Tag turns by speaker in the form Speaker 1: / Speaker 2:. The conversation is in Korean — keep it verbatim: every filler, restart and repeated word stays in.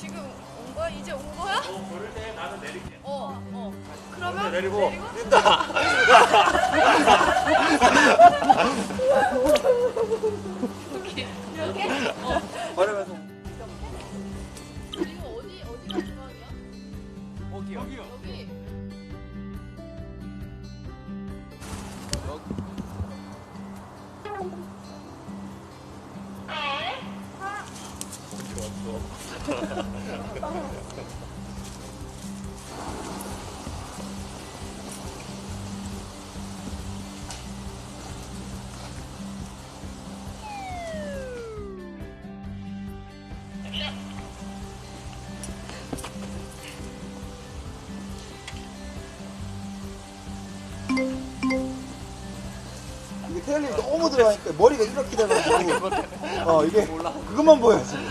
Speaker 1: 지금 온 거야? 이제 온 거야?
Speaker 2: 어, 걸을 때 나는 내릴게.
Speaker 1: 어, 어. 그러면
Speaker 2: 내리고.
Speaker 1: 내리고?
Speaker 2: 뛴다.
Speaker 1: 이렇게? 이렇게? 어.
Speaker 2: 걸으면서.
Speaker 1: 이거 어디 어디가 중앙이야?
Speaker 2: 여기요. 여기요.
Speaker 1: 여기.
Speaker 3: 이게 테일링이 너무 들어가니까 머리가 이렇게 돼가지고 어 이게 그것만 보여 지금.